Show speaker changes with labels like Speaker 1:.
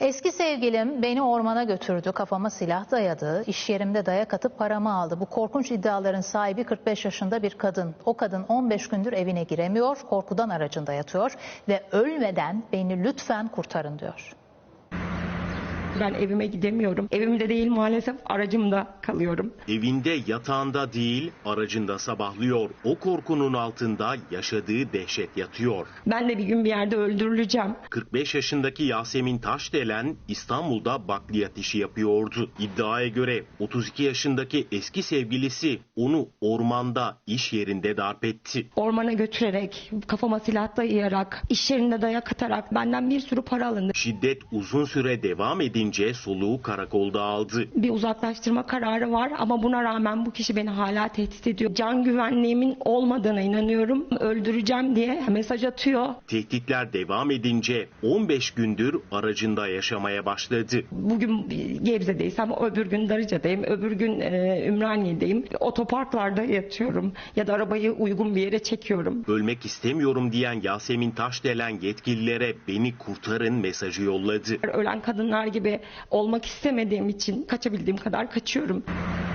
Speaker 1: Eski sevgilim beni ormana götürdü, kafama silah dayadı, iş yerimde dayak atıp paramı aldı. Bu korkunç iddiaların sahibi 45 yaşında bir kadın. O kadın 15 gündür evine giremiyor, korkudan aracında yatıyor ve ölmeden beni lütfen kurtarın diyor.
Speaker 2: Ben evime gidemiyorum. Evimde değil maalesef, aracımda kalıyorum.
Speaker 3: Evinde yatağında değil aracında sabahlıyor. O korkunun altında yaşadığı dehşet yatıyor.
Speaker 2: Ben de bir gün bir yerde öldürüleceğim.
Speaker 3: 45 yaşındaki Yasemin Taşdelen İstanbul'da bakliyat işi yapıyordu. İddiaya göre 32 yaşındaki eski sevgilisi onu ormanda iş yerinde darp etti.
Speaker 2: Ormana götürerek, kafama silah dayayarak, iş yerinde dayak atarak benden bir sürü para alındı.
Speaker 3: Şiddet uzun süre devam edince soluğu karakolda aldı.
Speaker 2: Bir uzaklaştırma kararı var ama buna rağmen bu kişi beni hala tehdit ediyor. Can güvenliğimin olmadığına inanıyorum. Öldüreceğim diye mesaj atıyor.
Speaker 3: Tehditler devam edince 15 gündür aracında yaşamaya başladı.
Speaker 2: Bugün Gebze'deysem öbür gün Darıca'dayım, öbür gün Ümraniye'deyim. Otoparklarda yatıyorum ya da arabayı uygun bir yere çekiyorum.
Speaker 3: Ölmek istemiyorum diyen Yasemin Taşdelen yetkililere beni kurtarın mesajı yolladı.
Speaker 2: Ölen kadınlar gibi olmak istemediğim için kaçabildiğim kadar kaçıyorum.